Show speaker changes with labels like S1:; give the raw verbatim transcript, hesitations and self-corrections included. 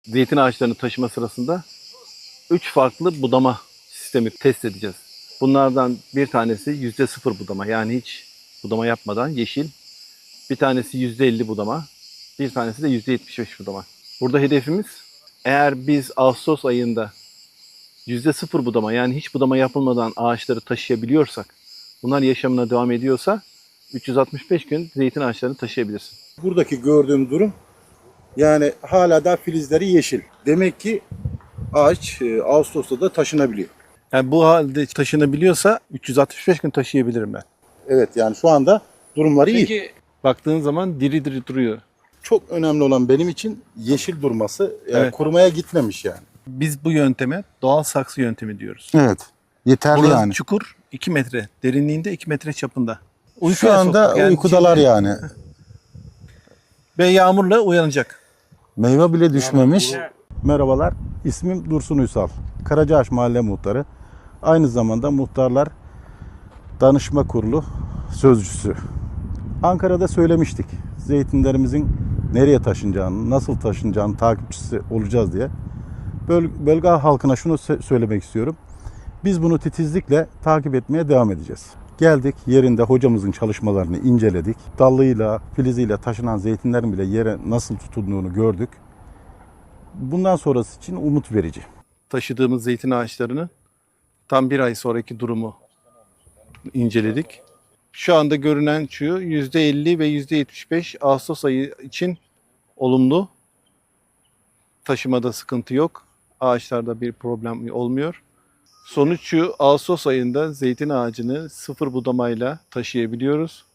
S1: Zeytin ağaçlarını taşıma sırasında üç farklı budama sistemi test edeceğiz. Bunlardan bir tanesi yüzde sıfır budama, yani hiç budama yapmadan yeşil. Bir tanesi yüzde elli budama, bir tanesi de yüzde yetmiş beş budama. Burada hedefimiz, eğer biz Ağustos ayında yüzde sıfır budama, yani hiç budama yapılmadan ağaçları taşıyabiliyorsak, bunlar yaşamına devam ediyorsa üç yüz altmış beş gün zeytin ağaçlarını taşıyabilirsin.
S2: Buradaki gördüğüm durum, yani hala da filizleri yeşil. Demek ki ağaç e, Ağustos'ta da taşınabiliyor.
S1: Yani bu halde taşınabiliyorsa üç yüz altmış beş gün taşıyabilirim ben.
S2: Evet, yani şu anda durumları iyi.
S1: Peki baktığın zaman diri diri duruyor.
S2: Çok önemli olan benim için yeşil durması, yani
S1: Evet.
S2: kurumaya gitmemiş yani.
S1: Biz bu yönteme doğal saksı yöntemi diyoruz.
S2: Evet. Yeterli
S1: Burası
S2: yani.
S1: çukur iki metre derinliğinde, iki metre çapında.
S2: Şu
S1: Uykuya
S2: anda
S1: soktuk. Yani
S2: uykudalar
S1: şimdi-
S2: yani.
S1: Ve yağmurla uyanacak.
S2: Meyve bile düşmemiş. Merhabalar, ismim Dursun Uysal. Karacaağaç Mahalle Muhtarı. Aynı zamanda Muhtarlar Danışma Kurulu sözcüsü. Ankara'da söylemiştik. Zeytinlerimizin nereye taşınacağını, nasıl taşınacağını takipçisi olacağız diye. Böl bölge halkına şunu söylemek istiyorum. Biz bunu titizlikle takip etmeye devam edeceğiz. Geldik, yerinde hocamızın çalışmalarını inceledik. Dallıyla, filiziyle taşınan zeytinlerin bile yere nasıl tutunduğunu gördük. Bundan sonrası için umut verici.
S1: Taşıdığımız zeytin ağaçlarını tam bir ay sonraki durumu inceledik. Şu anda görünen şu yüzde elli ve yüzde yetmiş beş Ağustos ayı için olumlu. Taşımada sıkıntı yok. Ağaçlarda bir problem olmuyor. Sonuç şu, Ağustos ayında zeytin ağacını sıfır budamayla taşıyabiliyoruz.